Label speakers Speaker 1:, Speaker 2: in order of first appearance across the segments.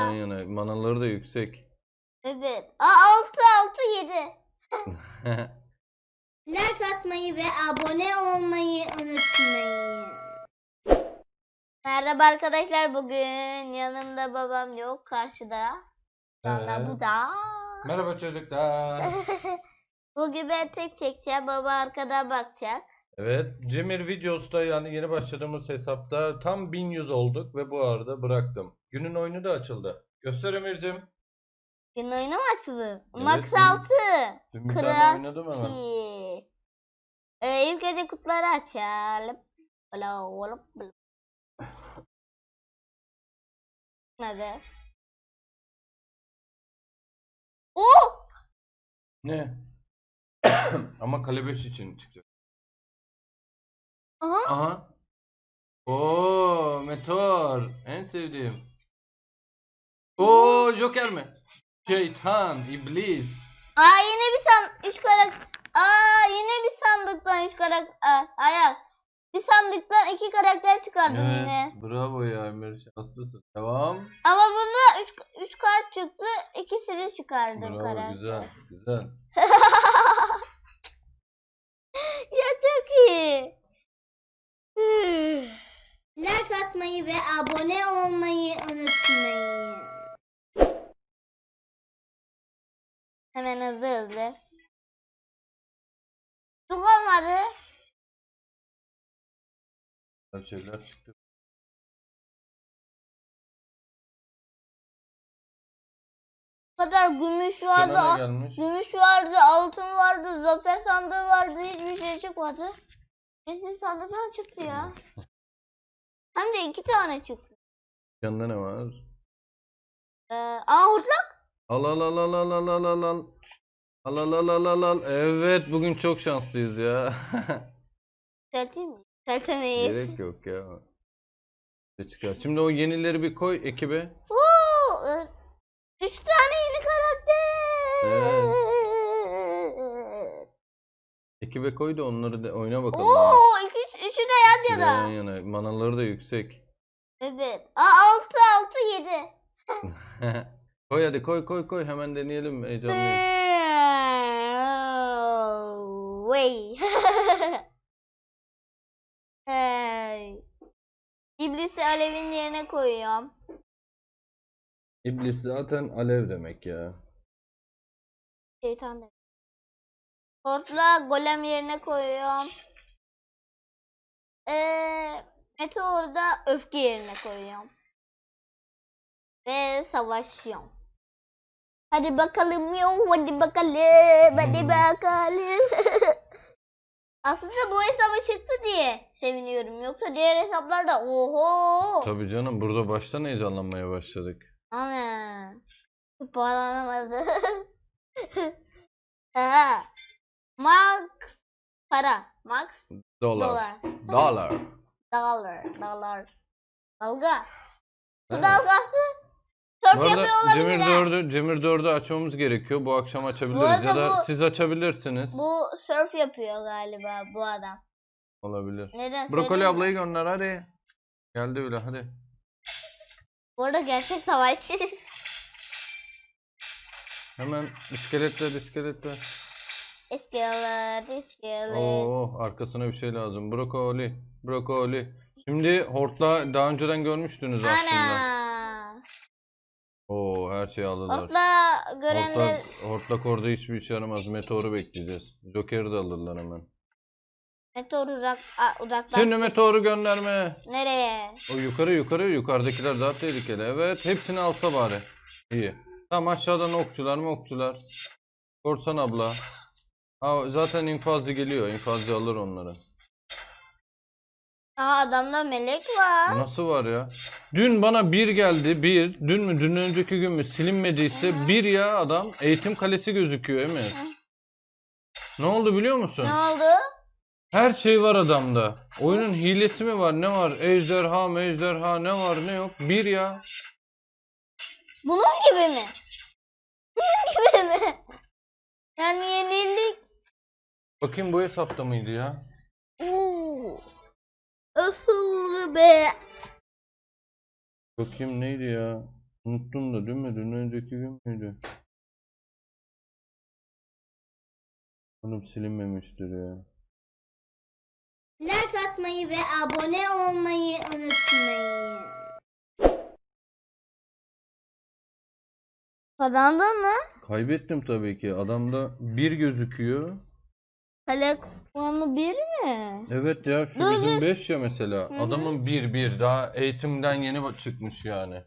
Speaker 1: Yan yana. Manaları da yüksek.
Speaker 2: Evet. 6 6 7. Like atmayı ve abone olmayı unutmayın. Merhaba arkadaşlar, bugün yanımda babam yok, karşıda. Şu anda bu da.
Speaker 1: Merhaba çocuklar.
Speaker 2: Bugün ben tek çekeceğim, baba arkada bakacak.
Speaker 1: Evet, Cemir Videos'ta yani yeni başladığımız hesapta tam 1100 olduk ve bu arada bıraktım. Günün oyunu da açıldı. Göster Emir'cim.
Speaker 2: Gün oyunu mu açıldı?
Speaker 1: Evet,
Speaker 2: Max
Speaker 1: dün-
Speaker 2: 6.
Speaker 1: Dün bir tane oynadım hemen.
Speaker 2: İlk önce kutuları açalım. Nerede? Oh!
Speaker 1: Ne? Ama kale 5 için çıkacak.
Speaker 2: Aha.
Speaker 1: Aha. Oo, Meteor. En sevdiğim. Oo, Joker mi? Şeytan, iblis.
Speaker 2: Yine bir 3 karakter. Yine bir sandıktan 3 karakter. Hayır. Bir sandıktan 2 karakter çıkardım
Speaker 1: Evet,
Speaker 2: yine.
Speaker 1: bravo ya Emir, şanslısın. Devam.
Speaker 2: Ama bunda 3 kart çıktı. İkisini çıkardım
Speaker 1: Bravo,
Speaker 2: karakter.
Speaker 1: güzel, güzel.
Speaker 2: Ya çok iyi. Like atmayı ve abone olmayı unutmayın. Hemen hızlı. Çok olmadı.
Speaker 1: Güzel şeyler çıktı.
Speaker 2: Bu kadar gümüş
Speaker 1: Sana ne
Speaker 2: vardı.
Speaker 1: gelmiş?
Speaker 2: Gümüş vardı, altın vardı, zafer sandığı vardı. Hiçbir şey çıkmadı. Birisi sandıktan çıktı ya. Hem de 2 tane çıktı.
Speaker 1: Yanında ne var?
Speaker 2: Hortlak.
Speaker 1: Al al al al al al al al al. Al al al al al al. Evet, bugün çok şanslıyız ya.
Speaker 2: Selteyim mi? Seltemeyiz.
Speaker 1: Gerek yok ya. Ne çıkar? Şimdi o yenileri bir koy ekibe.
Speaker 2: 3 tane yeni karakter.
Speaker 1: Evet. Ekibe koy da onları da oyna bakalım.
Speaker 2: Üçü de yan
Speaker 1: Yan
Speaker 2: yana.
Speaker 1: yana. Manaları da yüksek.
Speaker 2: Evet. 6 6 7.
Speaker 1: Koy hadi, koy koy koy, hemen deneyelim, heyecanlıyım.
Speaker 2: Way. Hey. İblisi alevin yerine koyuyorum.
Speaker 1: İblis zaten alev demek ya.
Speaker 2: Şeytan demek. Hortla golem yerine koyuyorum. Meteor'u da öfke yerine koyuyorum. Ve savaşıyorum. Hadi bakalım hadi bakalım, hadi bakalım. Aslında bu hesaba çıktı diye seviniyorum. Yoksa diğer hesaplarda oho.
Speaker 1: Tabii canım, burada baştan heyecanlanmaya başladık.
Speaker 2: Ana. Bağlanamadı. Aha. Max para. Max
Speaker 1: Dolar.
Speaker 2: dolar.
Speaker 1: Dolar.
Speaker 2: Dolar. Dalga. Su
Speaker 1: Evet.
Speaker 2: dalgası.
Speaker 1: Bu
Speaker 2: Surf
Speaker 1: arada
Speaker 2: yapıyor olabilir.
Speaker 1: Cemir 4'ü açmamız gerekiyor. Bu akşam
Speaker 2: Bu
Speaker 1: açabiliriz
Speaker 2: arada
Speaker 1: ya da siz açabilirsiniz.
Speaker 2: Bu surf yapıyor galiba bu adam.
Speaker 1: Olabilir.
Speaker 2: Neden?
Speaker 1: Brokoli
Speaker 2: söyleyeyim mi?
Speaker 1: ablayı gönder hadi. Geldi bile, hadi.
Speaker 2: Bu arada gerçek savaşçı.
Speaker 1: Hemen iskeletler.
Speaker 2: İskelet.
Speaker 1: Oo, arkasına bir şey lazım. Brokoli. Şimdi hortla daha önceden görmüştünüz aslında.
Speaker 2: Ana.
Speaker 1: Oo, her şeyi alırlar.
Speaker 2: Hortla görenler.
Speaker 1: Hortlak orada hiçbir işe yaramaz. Meteoru bekleyeceğiz. Joker'i de alırlar hemen.
Speaker 2: Meteor uzaklaştı.
Speaker 1: Şimdi meteoru gönderme.
Speaker 2: Nereye?
Speaker 1: O yukarıdakiler daha tehlikeli. Evet, hepsini alsa bari. İyi. Tamam, aşağıdan okçular. Korsan abla. Zaten infazcı geliyor. İnfazcı alır onları.
Speaker 2: Adamda melek var.
Speaker 1: Nasıl var ya? Dün bana bir geldi. Dün mü? Dün önceki gün mü? Silinmediyse bir ya adam. Eğitim kalesi gözüküyor Emir. Ne oldu biliyor musun?
Speaker 2: Ne oldu?
Speaker 1: Her şey var adamda. Oyunun hilesi mi var? Ne var? Ejderha ne var ne yok? Bir ya.
Speaker 2: Bunun gibi mi? Bunun gibi mi? Yani yenildik.
Speaker 1: Bakayım, bu hesapta mıydı ya?
Speaker 2: Asıl be.
Speaker 1: Bakayım neydi ya? Unuttum da değil mi? Dün önceki gün müydü? Oğlum silinmemiştir ya.
Speaker 2: Like atmayı ve abone olmayı unutmayın. Kazandın mı?
Speaker 1: Kaybettim tabii ki. Adamda 1 gözüküyor.
Speaker 2: Kale puanı 1 mi?
Speaker 1: Evet ya şu
Speaker 2: Dur,
Speaker 1: bizim
Speaker 2: dur.
Speaker 1: 5 ya mesela.
Speaker 2: Hı hı.
Speaker 1: Adamın 1 daha eğitimden yeni çıkmış yani.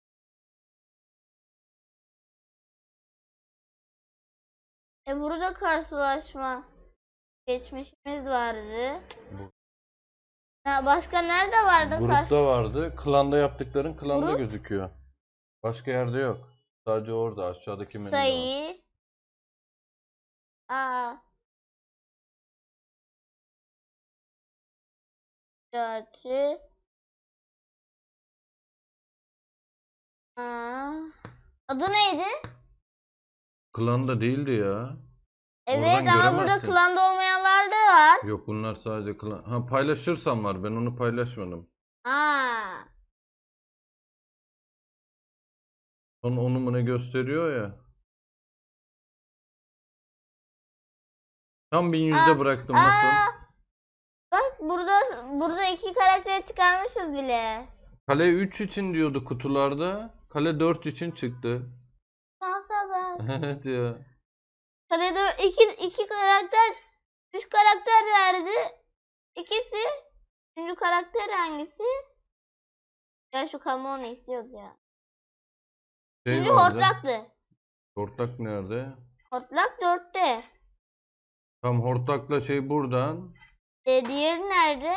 Speaker 2: Burada karşılaşma geçmişimiz vardı.
Speaker 1: Bu-
Speaker 2: Ha, başka nerede vardı?
Speaker 1: Grupta vardı. Klanda yaptıkların klanda
Speaker 2: Grup?
Speaker 1: gözüküyor. Başka yerde yok. Sadece orada aşağıdaki menüde var.
Speaker 2: Sayı. Aa. Dörtü. Aa. Adı neydi?
Speaker 1: Klanda değildi ya.
Speaker 2: Evet
Speaker 1: Oradan
Speaker 2: ama burada
Speaker 1: göremezsin.
Speaker 2: klanda olmayanlar da var.
Speaker 1: Yok bunlar sadece klan. Ha paylaşırsam var. Ben onu paylaşmadım.
Speaker 2: Aa.
Speaker 1: Onu mu ne gösteriyor ya. Tam 1100'de bıraktım nasıl?
Speaker 2: Bak burada iki karakteri çıkarmışız bile.
Speaker 1: Kale 3 için diyordu kutularda. Kale 4 için çıktı.
Speaker 2: Şansa bak.
Speaker 1: Evet ya.
Speaker 2: Kalede iki karakter, üç karakter verdi. İkisi. Üçüncü karakter hangisi? Ya şu Kamon'u istiyoruz ya.
Speaker 1: Şey
Speaker 2: Üçüncü
Speaker 1: vardı.
Speaker 2: hortlaktı.
Speaker 1: Hortlak nerede?
Speaker 2: Hortlak 4'te.
Speaker 1: Tam hortlakla şey buradan.
Speaker 2: Diğeri nerede?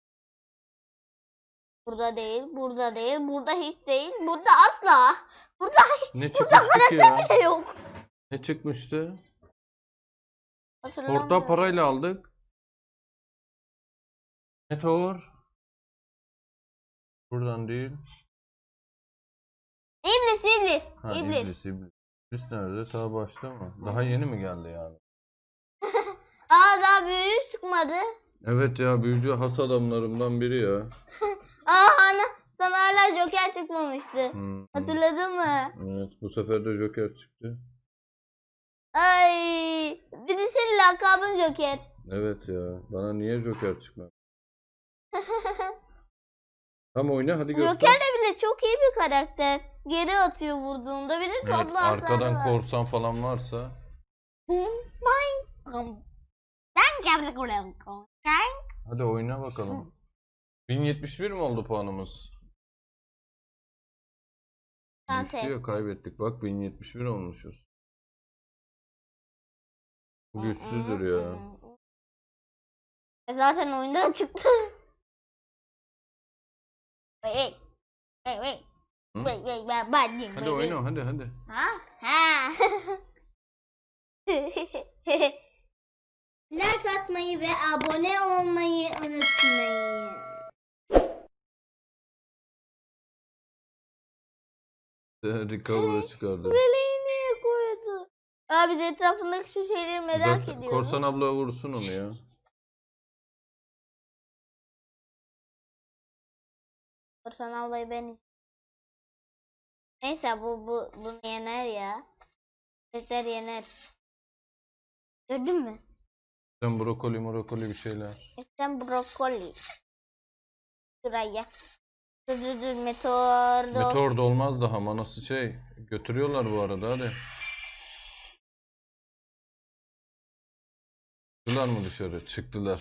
Speaker 2: Burada değil, burada değil, burada hiç değil, burada asla. Burada
Speaker 1: Ne
Speaker 2: burada
Speaker 1: çıkmıştı ki ya?
Speaker 2: karakter bile yok.
Speaker 1: Ne çıkmıştı?
Speaker 2: Hatırlamıyorum.
Speaker 1: Hortlağı parayla aldık. Meteor. Buradan değil.
Speaker 2: İblis.
Speaker 1: Ha
Speaker 2: İblis.
Speaker 1: iblis. İblis nerede? Ta başta mı? Daha yeni mi geldi yani?
Speaker 2: Daha büyüğü çıkmadı.
Speaker 1: Evet ya büyücü has adamlarımdan biri ya.
Speaker 2: Ana sana hala Joker çıkmamıştı. Hatırladın mı?
Speaker 1: Evet bu sefer de Joker çıktı.
Speaker 2: Ay, bir de senin lakabın Joker.
Speaker 1: Evet ya. Bana niye Joker çıkmadı? Tam oyna hadi göster.
Speaker 2: Joker de bile çok iyi bir karakter. Geri atıyor vurduğunda. Bir de
Speaker 1: Evet,
Speaker 2: toplu hasarı
Speaker 1: arkadan
Speaker 2: var.
Speaker 1: korsan falan varsa. Hadi oyna bakalım. 1071 mi oldu puanımız? Düştü ya kaybettik. Bak 1071 olmuşuz. Bu güçsüzdür ya.
Speaker 2: Zaten oyundan çıktı. Wait, wait, wait.
Speaker 1: Hı?
Speaker 2: Ben
Speaker 1: Hadi oyna hadi.
Speaker 2: Ha? Ha. Like atmayı ve abone olmayı unutmayın.
Speaker 1: Recover'a çıkardı.
Speaker 2: Meleği niye koydu? Abi de etrafındaki şu şeyleri merak
Speaker 1: Zaten
Speaker 2: ediyorum.
Speaker 1: Korsan abla vursun onu ya.
Speaker 2: Korsan ablayı ben. Neyse bunu yener ya. Sesler yener. Gördün mü?
Speaker 1: Sen brokoli bir şeyler.
Speaker 2: İstem brokoli. Şuraya. Dur meteor.
Speaker 1: Meteor da olmaz daha manası şey. Götürüyorlar bu arada hadi. Çıktılar mı dışarı? Çıktılar.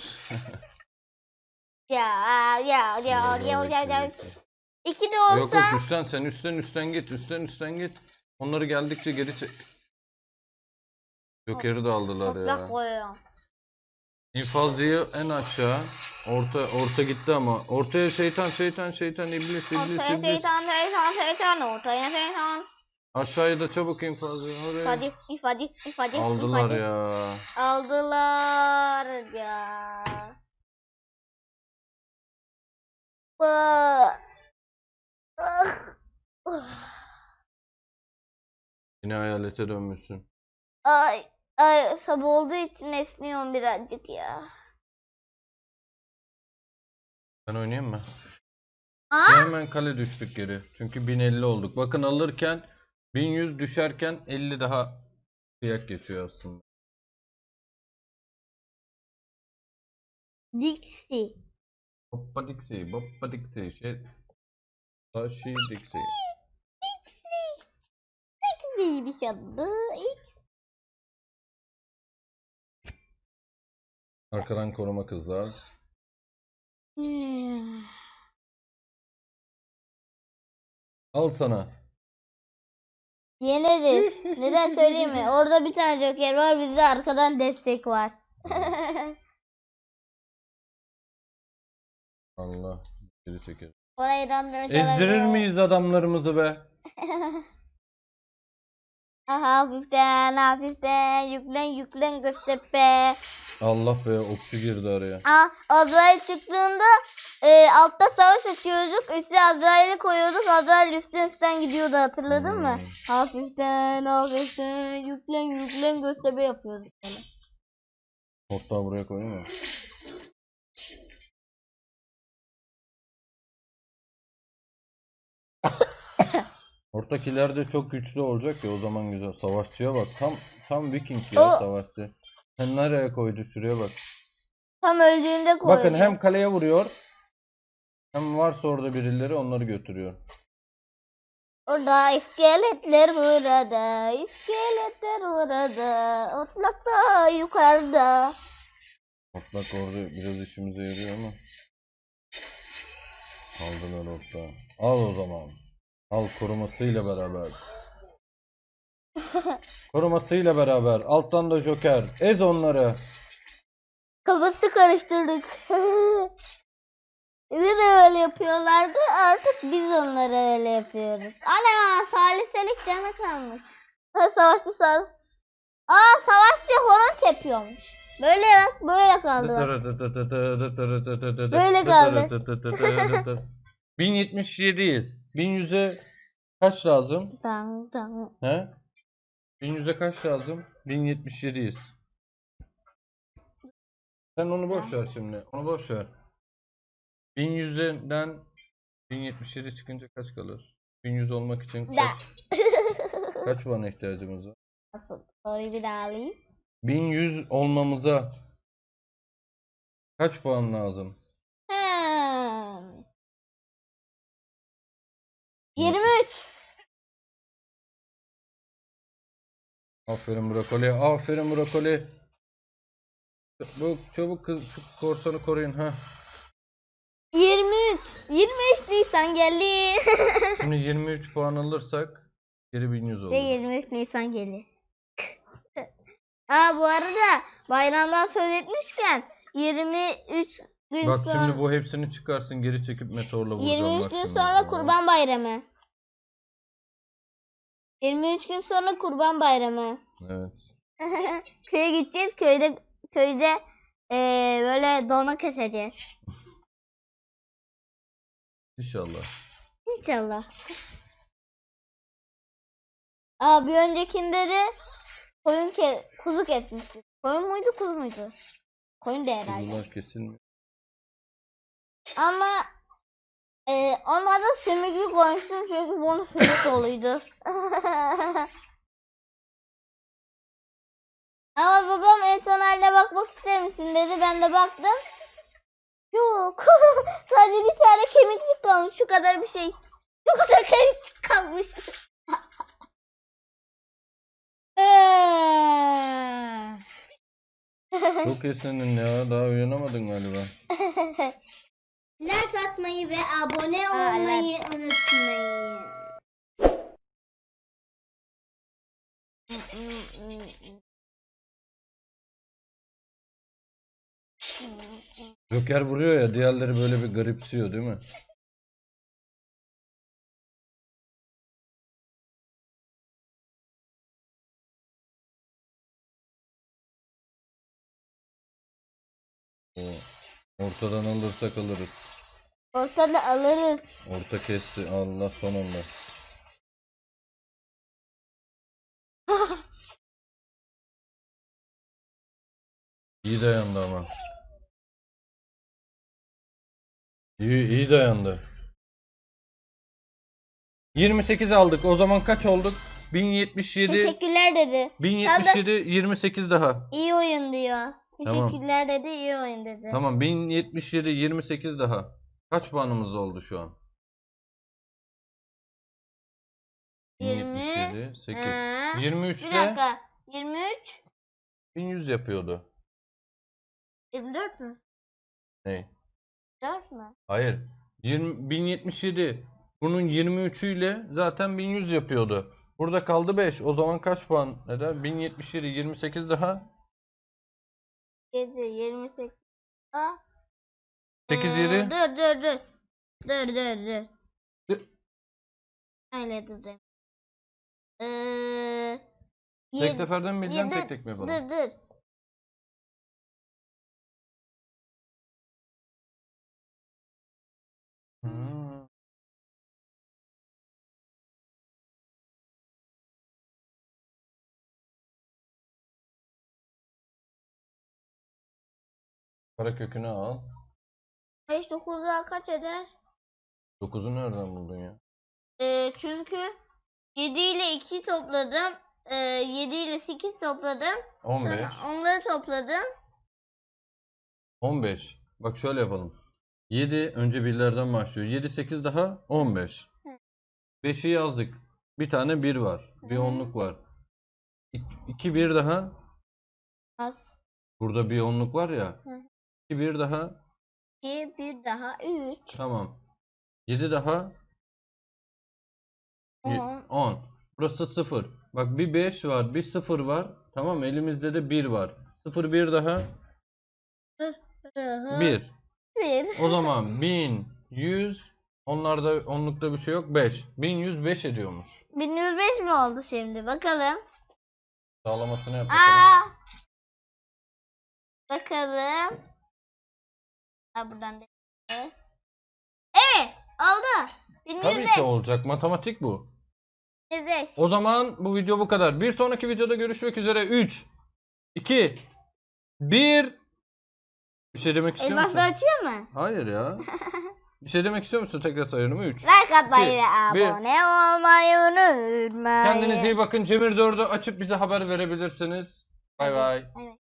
Speaker 2: Ya. İki de
Speaker 1: Yok
Speaker 2: olsa.
Speaker 1: üstten sen üstten git. Üstten git. Onları geldikçe geri çek. Joker'i de aldılar
Speaker 2: Hortlak
Speaker 1: ya.
Speaker 2: koyuyorum.
Speaker 1: İnfazcıyı en aşağı. Orta gitti ama. Ortaya şeytan iblis.
Speaker 2: Ortaya şeytan. Ortaya şeytan.
Speaker 1: Aşağıya da çabuk infazcı. Oraya.
Speaker 2: İfade.
Speaker 1: Aldılar ya.
Speaker 2: Aldılar ya. Ah.
Speaker 1: Yine hayalete dönmüşsün.
Speaker 2: Ay sabah olduğu için esniyorum birazcık ya.
Speaker 1: Ben oynayayım mı?
Speaker 2: Aa,
Speaker 1: Hemen kale düştük geri. Çünkü 1050 olduk. Bakın alırken 1100 düşerken 50 daha kıyak geçiyor aslında.
Speaker 2: Dixie.
Speaker 1: Hoppa diksi, boppa diksi, taşı diksi.
Speaker 2: Dixie bir şey adı.
Speaker 1: Arkadan koruma kızlar.
Speaker 2: Hmm.
Speaker 1: Al sana.
Speaker 2: Yeneriz. Neden söyleyeyim mi? Orada bir tane Joker var, bizde arkadan destek var.
Speaker 1: Allah. Geri çeker.
Speaker 2: Orayı random
Speaker 1: Ezdirir miyiz adamlarımızı be?
Speaker 2: Hafiften hafiften yüklen Göztepe.
Speaker 1: Allah be, okçu girdi araya.
Speaker 2: Azrail çıktığında altta savaş açıyorduk. Üstüne Azrail'i koyuyorduk. Azrail üstten gidiyordu, hatırladın mı? Hafiften hafiften yüklen Göztepe yapıyorduk böyle.
Speaker 1: Portağı buraya koyayım mı? Ortak ileride çok güçlü olacak ya, o zaman güzel. Savaşçıya bak. Tam Viking ya, savaşçı. Sen nereye koydu? Şuraya bak.
Speaker 2: Tam öldüğünde koydu.
Speaker 1: Bakın hem kaleye vuruyor, hem varsa orada birileri onları götürüyor.
Speaker 2: Orada iskeletler burada, iskeletler orada, otlak da yukarıda.
Speaker 1: Otlak orada biraz işimize yarıyor ama. Aldılar ortağı. Al o zaman. Al korumasıyla beraber. Korumasıyla beraber. Alttan da Joker. Ez onları.
Speaker 2: Kafası karıştırdık. Bize de öyle yapıyorlardı, artık biz onlara öyle yapıyoruz. Ana, saliselik canı kalmış. Savaşçı savaşçı horon tepiyormuş. Böyle bak, böyle kaldı. Böyle kaldı.
Speaker 1: 1077'yiz. 1100'e kaç lazım?
Speaker 2: Tamam.
Speaker 1: He? 1100'e kaç lazım? 1077'yiz. Sen onu boş ver şimdi. Onu boş ver. 1100'den 1077 çıkınca kaç kalır? 1100 olmak için kaç puana ihtiyacımız var?
Speaker 2: Soruyu bir daha alayım.
Speaker 1: 1100 olmamıza kaç puan lazım?
Speaker 2: 23.
Speaker 1: Aferin brokoli. Aferin brokoli. Çabuk kız, şu korsanı koruyun ha.
Speaker 2: 23. 23 Nisan geldi.
Speaker 1: Şimdi 23 puan alırsak geri 1100 olur.
Speaker 2: Ve 23 Nisan gelir. Bu arada bayramdan söz etmişken 23 gün
Speaker 1: Bak
Speaker 2: sonra
Speaker 1: şimdi bu hepsini çıkarsın, geri çekip meteorla vuracağım.
Speaker 2: 23
Speaker 1: bak
Speaker 2: gün
Speaker 1: şimdi.
Speaker 2: sonra Kurban Bayramı. 23 gün sonra Kurban Bayramı.
Speaker 1: Evet.
Speaker 2: Köye gideceğiz. Köyde böyle dona keseceğiz.
Speaker 1: İnşallah.
Speaker 2: İnşallah. Bir öncekinde de kuzu kesmiştik. Koyun muydu, kuzu muydu? Koyun da herhalde.
Speaker 1: Kuzular kesilmiyor.
Speaker 2: Ama ona da sümüklü koymuştum çünkü bunun sümük doluydu. Ama babam en son haline bakmak ister misin dedi. Ben de baktım. Yok. Sadece bir tane kemiklik kalmış. Şu kadar bir şey. Şu kadar kemiklik kalmış.
Speaker 1: Çok esnedin ya. Daha uyanamadın galiba.
Speaker 2: Like atmayı ve abone olmayı unutmayın.
Speaker 1: Joker vuruyor ya, diğerleri böyle bir garipsiyor değil mi? O ortadan alırsak alırız.
Speaker 2: Ortada alırız.
Speaker 1: Orta kesti. Allah sonunda. İyi dayandı ama. İyi dayandı. 28 aldık. O zaman kaç olduk? 1077.
Speaker 2: Teşekkürler dedi.
Speaker 1: 1077 28 daha.
Speaker 2: İyi oyun diyor.
Speaker 1: Tamam.
Speaker 2: Teşekkürler dedi, iyi oyun dedi.
Speaker 1: Tamam 1077 28 daha. Kaç puanımız oldu şu an? 1077 8.
Speaker 2: Ha,
Speaker 1: 23
Speaker 2: bir
Speaker 1: de
Speaker 2: dakika. 23,
Speaker 1: 1100 yapıyordu.
Speaker 2: 24 mü?
Speaker 1: Ne?
Speaker 2: 4 mü?
Speaker 1: Hayır. 1077. Bunun 23'ü ile zaten 1100 yapıyordu. Burada kaldı 5. O zaman kaç puan eder? 1077 28 daha.
Speaker 2: 7, 28. Aa.
Speaker 1: 8 7.
Speaker 2: Dur.
Speaker 1: Dur.
Speaker 2: Öyle dedim.
Speaker 1: Tek seferden mi bileceğim,
Speaker 2: dur,
Speaker 1: tek mi yapalım?
Speaker 2: Dur.
Speaker 1: Hmm. Karekökünü al.
Speaker 2: 5, 9 daha kaç eder?
Speaker 1: 9'u nereden buldun ya?
Speaker 2: Çünkü 7 ile 2 topladım. 7 ile 8 topladım.
Speaker 1: 15.
Speaker 2: Sonra onları topladım.
Speaker 1: 15. Bak şöyle yapalım. 7 önce birlerden başlıyor. 7 8 daha 15.
Speaker 2: Hı.
Speaker 1: 5'i yazdık. Bir tane 1 var. Bir
Speaker 2: Hı.
Speaker 1: onluk var. 2 1 daha.
Speaker 2: Az.
Speaker 1: Burada bir onluk var ya.
Speaker 2: Hı.
Speaker 1: 2 1 daha.
Speaker 2: 2, 1 daha 3.
Speaker 1: Tamam. 7 daha.
Speaker 2: 10.
Speaker 1: 10. Burası 0. Bak bir 5 var, bir 0 var. Tamam, elimizde de 1 var. 0 1 daha. 1.
Speaker 2: 1.
Speaker 1: O zaman 1100. Onlarda onlukta bir şey yok. 5. 1105 ediyormuş.
Speaker 2: 1105 mi oldu şimdi? Bakalım.
Speaker 1: Sağlamasını yap bakalım.
Speaker 2: Aa! Bakalım. Ha buradan da. Evet, oldu.
Speaker 1: Tabii
Speaker 2: 1105.
Speaker 1: ki olacak. Matematik bu.
Speaker 2: 1105.
Speaker 1: O zaman bu video bu kadar. Bir sonraki videoda görüşmek üzere. 3, 2, 1. Bir şey demek istiyor musun?
Speaker 2: Elmasla açıyor mu?
Speaker 1: Hayır ya. Bir şey demek istiyor musun? Tekrar sayıyorum. 3.
Speaker 2: Like atmayı ve
Speaker 1: Bir.
Speaker 2: abone olmayı unutmayın.
Speaker 1: Kendinize iyi bakın. Cemir 4'ü açıp bize haber verebilirsiniz. Bay bay.
Speaker 2: Evet.